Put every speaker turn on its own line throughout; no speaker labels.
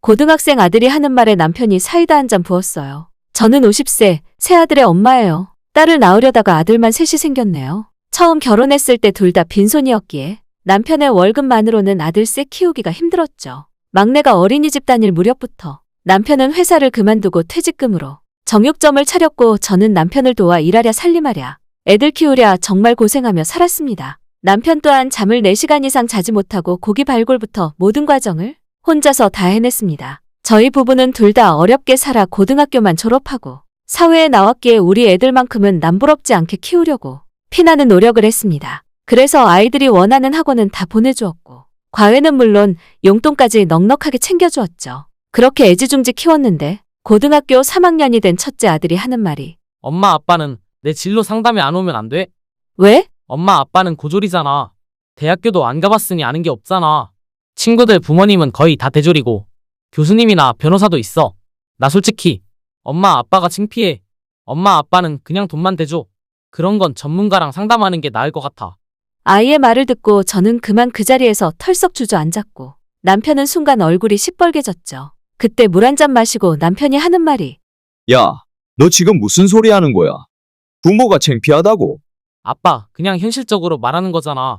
고등학생 아들이 하는 말에 남편이 사이다 한 잔 부었어요. 저는 50세, 새 아들의 엄마예요. 딸을 낳으려다가 아들만 셋이 생겼네요. 처음 결혼했을 때 둘 다 빈손이었기에 남편의 월급만으로는 아들 셋 키우기가 힘들었죠. 막내가 어린이집 다닐 무렵부터 남편은 회사를 그만두고 퇴직금으로 정육점을 차렸고 저는 남편을 도와 일하랴 살림하랴 애들 키우랴 정말 고생하며 살았습니다. 남편 또한 잠을 4시간 이상 자지 못하고 고기 발골부터 모든 과정을 혼자서 다 해냈습니다. 저희 부부는 둘 다 어렵게 살아 고등학교만 졸업하고 사회에 나왔기에 우리 애들만큼은 남부럽지 않게 키우려고 피나는 노력을 했습니다. 그래서 아이들이 원하는 학원은 다 보내주었고 과외는 물론 용돈까지 넉넉하게 챙겨주었죠. 그렇게 애지중지 키웠는데 고등학교 3학년이 된 첫째 아들이 하는 말이
엄마 아빠는 내 진로 상담에 안 오면 안 돼?
왜?
엄마 아빠는 고졸이잖아. 대학교도 안 가봤으니 아는 게 없잖아. 친구들 부모님은 거의 다 대졸이고 교수님이나 변호사도 있어. 나 솔직히 엄마 아빠가 창피해. 엄마 아빠는 그냥 돈만 대줘. 그런 건 전문가랑 상담하는 게 나을 것 같아.
아이의 말을 듣고 저는 그만 그 자리에서 털썩 주저앉았고 남편은 순간 얼굴이 시뻘개졌죠. 그때 물 한 잔 마시고 남편이 하는 말이
야, 너 지금 무슨 소리 하는 거야? 부모가 창피하다고?
아빠, 그냥 현실적으로 말하는 거잖아.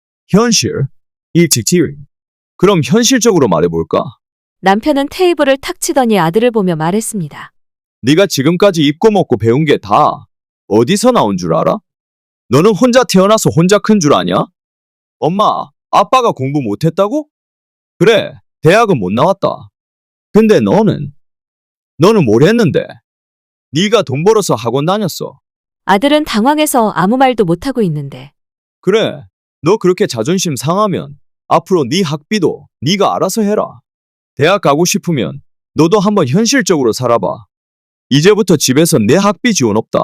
현실? 일찍지을. 그럼 현실적으로 말해볼까?
남편은 테이블을 탁 치더니 아들을 보며 말했습니다.
네가 지금까지 입고 먹고 배운 게 다 어디서 나온 줄 알아? 너는 혼자 태어나서 혼자 큰 줄 아냐? 엄마, 아빠가 공부 못했다고? 그래, 대학은 못 나왔다. 근데 너는 뭘 했는데? 네가 돈 벌어서 학원 다녔어.
아들은 당황해서 아무 말도 못하고 있는데
그래, 너 그렇게 자존심 상하면 앞으로 네 학비도 네가 알아서 해라. 대학 가고 싶으면 너도 한번 현실적으로 살아봐. 이제부터 집에서 내 학비 지원 없다.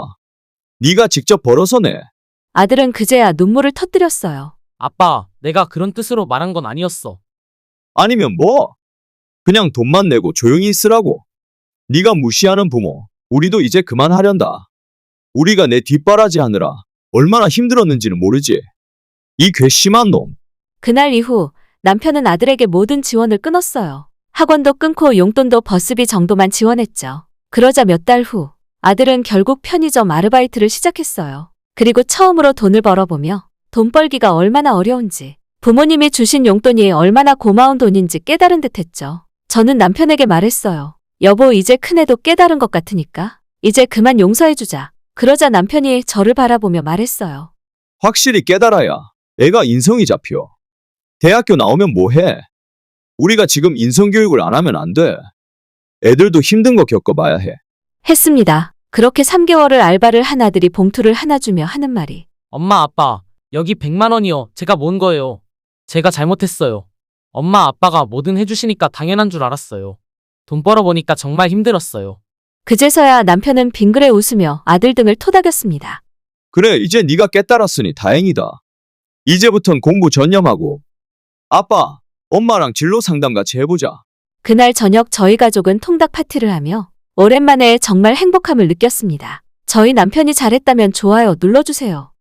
네가 직접 벌어서 내.
아들은 그제야 눈물을 터뜨렸어요.
아빠, 내가 그런 뜻으로 말한 건 아니었어.
아니면 뭐? 그냥 돈만 내고 조용히 있으라고. 네가 무시하는 부모, 우리도 이제 그만하련다. 우리가 내 뒷바라지 하느라 얼마나 힘들었는지는 모르지. 이 괘씸한 놈.
그날 이후 남편은 아들에게 모든 지원을 끊었어요. 학원도 끊고 용돈도 버스비 정도만 지원했죠. 그러자 몇 달 후 아들은 결국 편의점 아르바이트를 시작했어요. 그리고 처음으로 돈을 벌어보며 돈 벌기가 얼마나 어려운지 부모님이 주신 용돈이 얼마나 고마운 돈인지 깨달은 듯했죠. 저는 남편에게 말했어요. 여보, 이제 큰애도 깨달은 것 같으니까 이제 그만 용서해주자. 그러자 남편이 저를 바라보며 말했어요.
확실히 깨달아야 애가 인성이 잡혀. 대학교 나오면 뭐해? 우리가 지금 인성교육을 안 하면 안 돼. 애들도 힘든 거 겪어봐야 해.
했습니다. 그렇게 3개월을 알바를 한 아들이 봉투를 하나 주며 하는 말이
엄마 아빠, 여기 100만 원이요. 제가 모은 거예요. 제가 잘못했어요. 엄마 아빠가 뭐든 해주시니까 당연한 줄 알았어요. 돈 벌어보니까 정말 힘들었어요.
그제서야 남편은 빙그레 웃으며 아들 등을 토닥였습니다.
그래, 이제 네가 깨달았으니 다행이다. 이제부턴 공부 전념하고 아빠, 엄마랑 진로 상담 같이 해보자.
그날 저녁 저희 가족은 통닭 파티를 하며 오랜만에 정말 행복함을 느꼈습니다. 저희 남편이 잘했다면 좋아요 눌러주세요.